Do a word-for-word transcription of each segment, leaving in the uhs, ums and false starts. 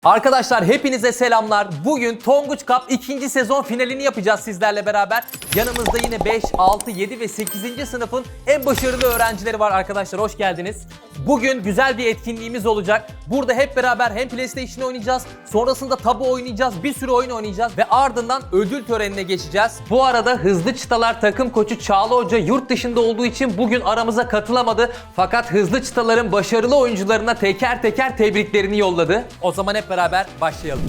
Arkadaşlar hepinize selamlar. Bugün Tonguç Cup ikinci sezon finalini yapacağız sizlerle beraber. Yanımızda yine beş, altı, yedi ve sekizinci sınıfın en başarılı öğrencileri var arkadaşlar. Hoş geldiniz. Bugün güzel bir etkinliğimiz olacak. Burada hep beraber hem PlayStation oynayacağız, sonrasında tabu oynayacağız, bir sürü oyun oynayacağız ve ardından ödül törenine geçeceğiz. Bu arada Hızlı Çıtalar takım koçu Çağla Hoca yurt dışında olduğu için bugün aramıza katılamadı. Fakat Hızlı Çıtalar'ın başarılı oyuncularına teker teker tebriklerini yolladı. O zaman hep beraber başlayalım.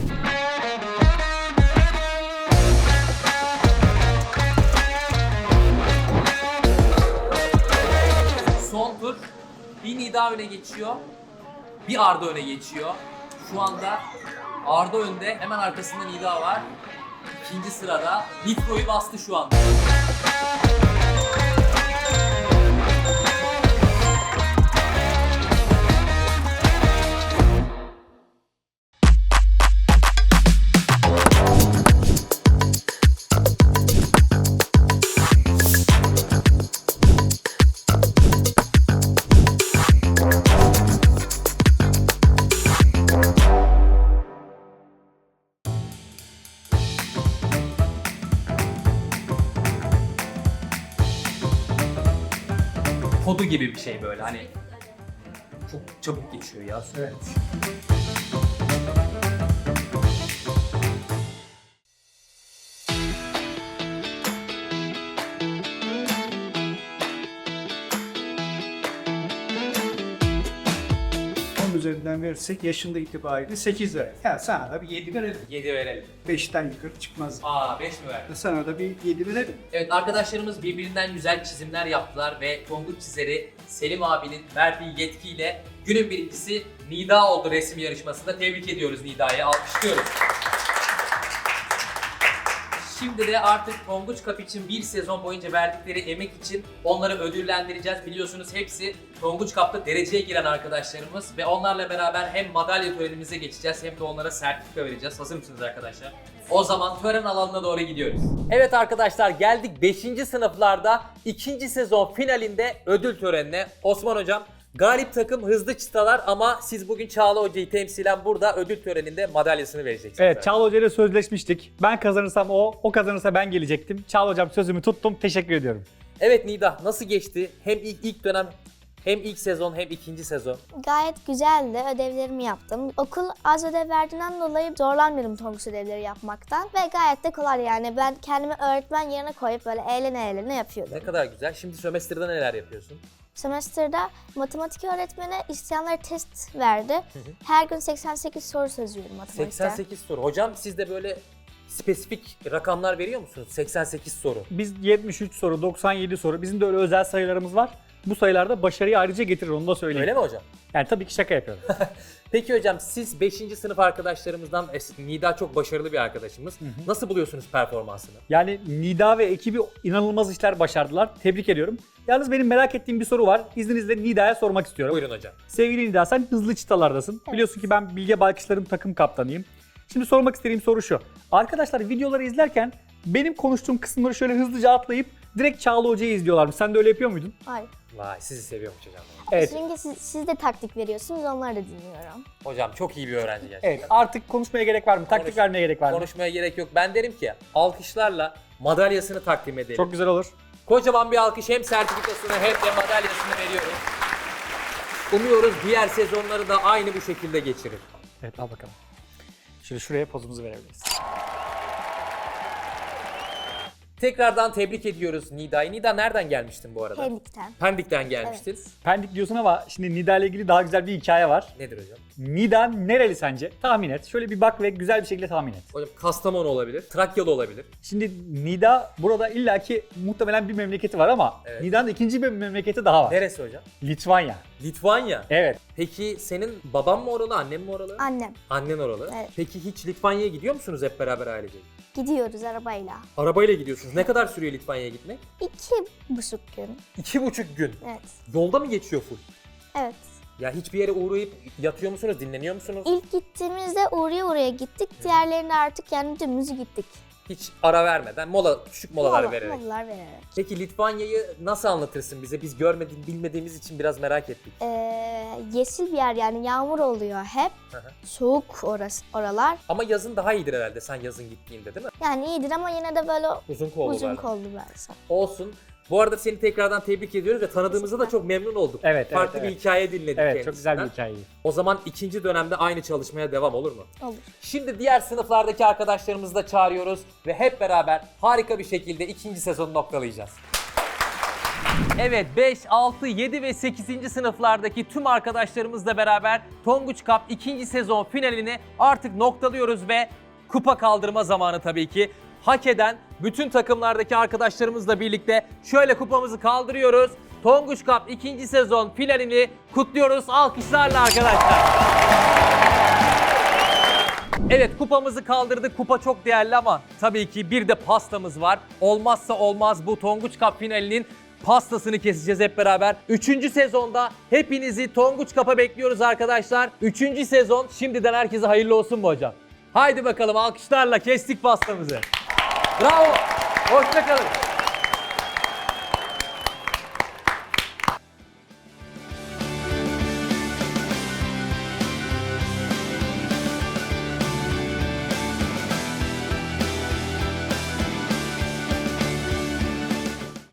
Son tur bir Nida öne geçiyor, bir Arda öne geçiyor. Şu anda Arda önde, hemen arkasında Nida var. İkinci sırada Nitro'yu bastı şu anda. Kodu gibi bir şey böyle hani çok çabuk geçiyor ya. Evet. on üzerinden verirsek yaşında itibariyle sekiz verelim. Ya sana da bir yedi verelim. yedi verelim. beşten yukarı çıkmaz. Aa beş mi verdi? Sana da bir yedi verelim. Evet, arkadaşlarımız birbirinden güzel çizimler yaptılar ve Tonguç çizeri Selim abinin verdiği yetkiyle günün birincisi Nida oldu resim yarışmasında. Tebrik ediyoruz Nida'yı, alkışlıyoruz. Şimdi de artık Tonguç Cup için bir sezon boyunca verdikleri emek için onları ödüllendireceğiz. Biliyorsunuz hepsi Tonguç Cup'ta dereceye giren arkadaşlarımız ve onlarla beraber hem madalya törenimize geçeceğiz hem de onlara sertifika vereceğiz. Hazır mısınız arkadaşlar? O zaman tören alanına doğru gidiyoruz. Evet arkadaşlar, geldik beşinci sınıflarda ikinci sezon finalinde ödül törenine. Osman hocam, galip takım Hızlı Çıtalar ama siz bugün Çağla Hoca'yı temsilen burada ödül töreninde madalyasını vereceksiniz. Evet, Çağla Hoca ile sözleşmiştik. Ben kazanırsam o, o kazanırsa ben gelecektim. Çağla Hocam sözümü tuttum. Teşekkür ediyorum. Evet Nida, nasıl geçti? Hem ilk, ilk dönem hem ilk sezon hem ikinci sezon. Gayet güzeldi. Ödevlerimi yaptım. Okul az ödev verdiğinden dolayı zorlanmıyorum Tonguç ödevleri yapmaktan. Ve gayet de kolay yani. Ben kendimi öğretmen yerine koyup böyle eğlene eğlene yapıyordum. Ne kadar güzel. Şimdi sömestrde neler yapıyorsun? Sömestrda matematik öğretmeni isteyenlere test verdi. Her gün seksen sekiz soru çözüyorum matematikten. seksen sekiz soru. Hocam siz de böyle spesifik rakamlar veriyor musunuz? seksen sekiz soru. Biz yetmiş üç soru, doksan yedi soru. Bizim de öyle özel sayılarımız var. Bu sayılarda başarıyı ayrıca getirir, onu da söyleyeyim. Öyle mi hocam? Yani tabii ki şaka yapıyorum. Peki hocam, siz beşinci sınıf arkadaşlarımızdan, Nida çok başarılı bir arkadaşımız. Hı hı. Nasıl buluyorsunuz performansını? Yani Nida ve ekibi inanılmaz işler başardılar. Tebrik ediyorum. Yalnız benim merak ettiğim bir soru var. İzninizle Nida'ya sormak istiyorum. Buyurun hocam. Sevgili Nida, sen Hızlı Çıtalar'dasın. Evet. Biliyorsun ki ben Bilge Baykışlar'ın takım kaptanıyım. Şimdi sormak istediğim soru şu. Arkadaşlar videoları izlerken benim konuştuğum kısımları şöyle hızlıca atlayıp direkt Çağla Hoca'yı izliyorlarmış. Sen de öyle yapıyor muydun? Hayır. Vay, sizi seviyormuş hocam. Evet. Çünkü siz, siz de taktik veriyorsunuz, onları da dinliyorum. Hocam çok iyi bir öğrenci gerçekten. Evet, artık konuşmaya gerek var mı? Taktik Konuş- vermeye gerek var mı? Konuşmaya gerek yok. Ben derim ki alkışlarla madalyasını takdim edelim. Çok güzel olur. Kocaman bir alkış, hem sertifikasını hem de madalyasını veriyoruz. Umuyoruz diğer sezonları da aynı bu şekilde geçirir. Evet, al bakalım. Şimdi şuraya pozumuzu verebiliriz. Tekrardan tebrik ediyoruz Nida'yı. Nida, nereden gelmiştin bu arada? Pendik'ten. Pendik'ten gelmiştin. Pendik diyorsun ama şimdi Nida ile ilgili daha güzel bir hikaye var. Nedir hocam? Nida nereli sence? Tahmin et. Şöyle bir bak ve güzel bir şekilde tahmin et. Hocam Kastamonu olabilir, Trakyalı olabilir. Şimdi Nida burada illaki muhtemelen bir memleketi var ama Evet. Nida'nın ikinci bir memleketi daha var. Neresi hocam? Litvanya. Litvanya. Evet. Peki senin baban mı oralı, annen mi oralı? Annem. Annen oralı. Evet. Peki hiç Litvanya'ya gidiyor musunuz hep beraber ailecek? Gidiyoruz arabayla. Arabayla gidiyorsunuz. Ne kadar sürüyor Litvanya'ya gitmek? İki buçuk gün. İki buçuk gün. Evet. Yolda mı geçiyor full? Evet. Ya hiçbir yere uğrayıp yatıyor musunuz, dinleniyor musunuz? İlk gittiğimizde uğraya uğraya gittik. Diğerlerine artık yani dümdüz gittik. Hiç ara vermeden mola, küçük molalar Mola- vererek. Molalar vererek. Peki Litvanya'yı nasıl anlatırsın bize? Biz görmediğim, bilmediğimiz için biraz merak ettik. Ee, yeşil bir yer yani yağmur oluyor hep. Hı hı. Soğuk orası, oralar. Ama yazın daha iyidir herhalde sen yazın gittiğinde değil mi? Yani iyidir ama yine de böyle Uzun kollu uzun böyle. kollu versen. Olsun. Bu arada seni tekrardan tebrik ediyoruz ve tanıdığımızda da çok memnun olduk. Evet, evet, Farklı evet. bir hikaye dinledik Evet, çok güzel bir kendisinden. hikaye. O zaman ikinci dönemde aynı çalışmaya devam olur mu? Olur. Şimdi diğer sınıflardaki arkadaşlarımızı da çağırıyoruz ve hep beraber harika bir şekilde ikinci sezonu noktalayacağız. Evet, beş, altı, yedi ve sekizinci sınıflardaki tüm arkadaşlarımızla beraber Tonguç Cup ikinci sezon finalini artık noktalıyoruz ve kupa kaldırma zamanı tabii ki. Hak eden bütün takımlardaki arkadaşlarımızla birlikte şöyle kupamızı kaldırıyoruz. Tonguç Cup ikinci sezon finalini kutluyoruz alkışlarla arkadaşlar. Evet, kupamızı kaldırdık. Kupa çok değerli ama tabii ki bir de pastamız var. Olmazsa olmaz bu Tonguç Cup finalinin pastasını keseceğiz hep beraber. Üçüncü sezonda hepinizi Tonguç Cup'a bekliyoruz arkadaşlar. Üçüncü sezon şimdiden herkese hayırlı olsun mu hocam? Haydi bakalım alkışlarla kestik pastamızı. Bravo. Hoşça kalın.